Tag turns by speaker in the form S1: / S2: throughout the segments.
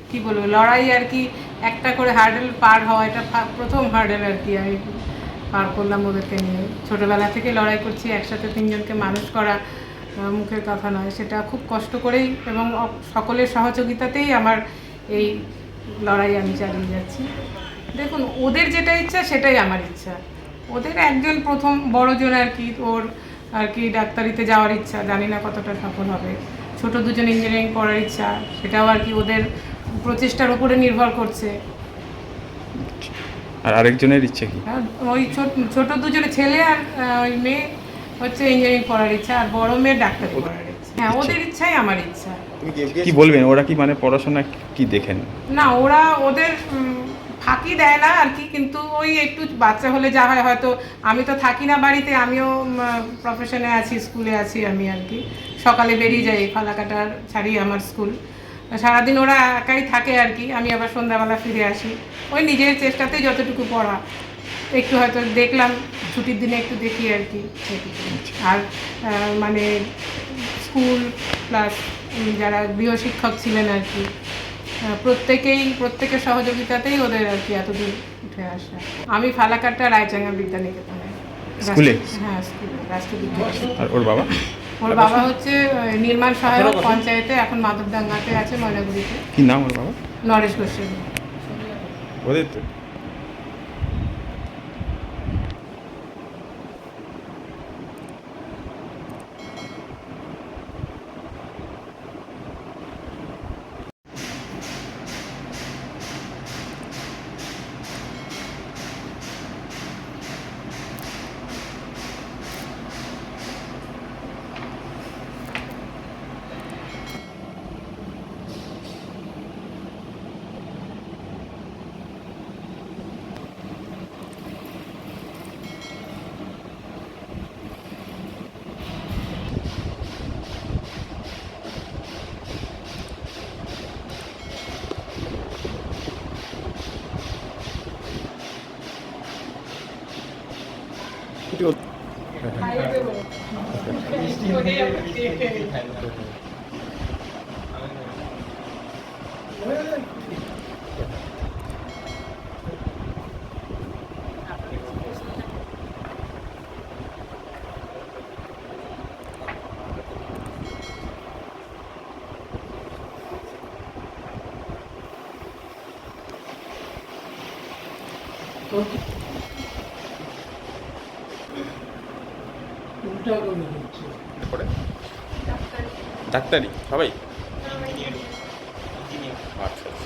S1: কি বলবো, লড়াই আর কি, একটা করে হার্ডেল পার হওয়া, এটা প্রথম হার্ডেল আর কি আমি পার করলাম ওদেরকে নিয়ে। ছোটোবেলা থেকে লড়াই করছি, একসাথে তিনজনকে মানুষ করা মুখের কথা নয়, সেটা খুব কষ্ট করেই এবং সকলের সহযোগিতাতেই আমার এই লড়াই আমি চালিয়ে যাচ্ছি। দেখুন, ওদের যেটা ইচ্ছা সেটাই আমার ইচ্ছা। ওদের একজন প্রথম বড়জন আর কি, ওর আর কি ডাক্তারিতে যাওয়ার ইচ্ছা, জানি না কতটা সফল হবে। ছোট দুজন ইঞ্জিনিয়ারিং পড়ার ইচ্ছা, সেটাও আর কি ওদের প্রচেষ্টার উপরে নির্ভর করছে।
S2: আর আরেকজনের ইচ্ছে কি?
S1: ওই ছোট দুজনে ছেলে আর ওই মেয়ে হচ্ছে ইঞ্জিনিয়ারিং পড়ার ইচ্ছা, আর বড় মেয়ে ডাক্তারি পড়ার ইচ্ছা। হ্যাঁ, ওদের ইচ্ছাই আমার ইচ্ছা।
S2: কি বলবেন, ওরা কি মানে পড়াশোনা কি দেখেন?
S1: না, ওরা ওদের ফাঁকি দেয় না আর কি, কিন্তু ওই একটু বাচ্চা হলে যা হয়, হয়তো আমি তো থাকি না বাড়িতে, আমিও প্রফেশনে আছি, স্কুলে আছি আমি আর কি, সকালে বেরিয়ে যাই, ফালাকাটার ছাড়ি আমার স্কুল, সারাদিন ওরা একাই থাকে আর কি, আমি আবার সন্ধ্যাবেলা ফিরে আসি। ওই নিজের চেষ্টাতেই যতটুকু পড়া, একটু হয়তো দেখলাম ছুটির দিনে একটু দেখি আর কি। আর মানে স্কুল প্লাস যারা গৃহশিক্ষক ছিলেন আর কি, প্রত্যেকের সহযোগিতাতেই ওদের আর কি এতদূর উঠে আসা। আমি ফালাকাটা রায়চাঙ্গা বিদ্যানিকেতনে
S2: স্কুলে?
S1: হ্যাঁ, স্কুলে, রাষ্ট্রবিদ্যালয়।
S2: আর ওর বাবা?
S1: ওর বাবা হচ্ছে নির্মাণ সহায়ক পঞ্চায়েতে, এখন মাধবডাঙ্গাতে আছে, ময়নাগুড়িতে।
S2: কি নাম ওর বাবা?
S1: নরেশ গোস্বামী।
S2: ওদের তো ডাক্তারি সবাই? আচ্ছা আচ্ছা।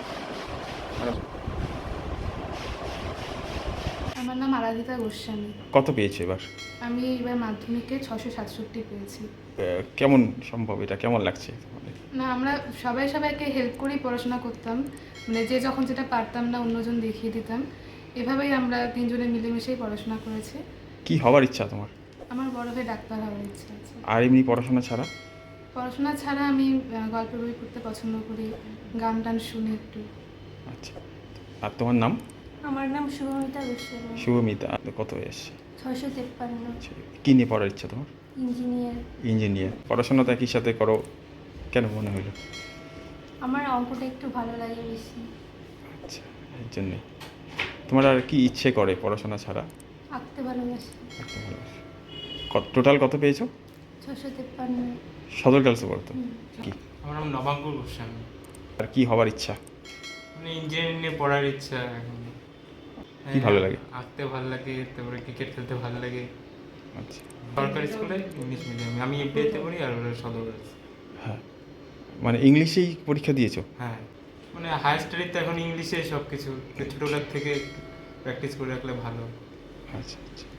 S3: আমার নাম আরাধিতা গোস্বামী।
S2: কত পেয়েছে এবার?
S3: আমি এবার মাধ্যমিকে 667 পেয়েছি।
S2: কেমন সম্ভব, এটা কেমন লাগছে?
S3: না, আমরা সবাইকে হেল্প করেই পড়াশোনা করতাম, মানে যে যখন যেটা পারতাম না অন্যজন দেখিয়ে দিতাম, এভাবেই আমরা তিনজনে মিলেমিশেই পড়াশোনা করেছি।
S2: কি হওয়ার ইচ্ছা তোমার?
S3: আমার বড় হয়ে ডাক্তার হওয়ার ইচ্ছা আছে।
S2: আর এমনি পড়াশোনা ছাড়া?
S3: পড়াশোনা ছাড়া আমি গল্পের বই পড়তে পছন্দ করি, গান টান শুনি একটু।
S2: আচ্ছা, আর তোমার নাম?
S4: আমার নাম শুভমিতা গোস্বামী।
S2: শুভমিতা। কত এসছে?
S4: 653।
S2: আচ্ছা, কী নিয়ে পড়ার ইচ্ছা তোমার?
S4: ইঞ্জিনিয়ার।
S2: ইঞ্জিনিয়ার। পড়াশোনা তো একই সাথে করো, কেন মনে হলো?
S4: আমার অঙ্কটা একটু ভালো লাগে বেশি।
S2: আচ্ছা, এর জন্যই। তোমার আর কি ইচ্ছে করে পড়াশোনা ছাড়া?
S4: আঁকতে ভালোবাসি।
S2: আঁকতে ভালোবাসো। টোটাল কত পেয়েছো?
S4: 653।
S2: সদর গার্লসে পড়তো? কি?
S5: আমার নাম নবাঙ্কুর গোস্বামী।
S2: আর কি হবার ইচ্ছা?
S5: মানে ইঞ্জিনিয়ারিং নিয়ে পড়ার ইচ্ছা এখন।
S2: কি ভালো লাগে?
S5: আঁকতে ভালো লাগে, তারপরে ক্রিকেট খেলতে ভালো লাগে।
S2: আচ্ছা।
S5: সরকারি স্কুলে ইংলিশ মিডিয়ামে, আমি এফবিআইতে পড়ি আর ওরা সদর গার্লস।
S2: হ্যাঁ, মানে ইংলিশেই পরীক্ষা দিয়েছো?
S5: হ্যাঁ, মানে হায়ার স্টাডি তো এখন ইংলিশে সব কিছু, ছোটোবেলার থেকে প্র্যাকটিস করে রাখলে ভালো।
S2: আচ্ছা আচ্ছা।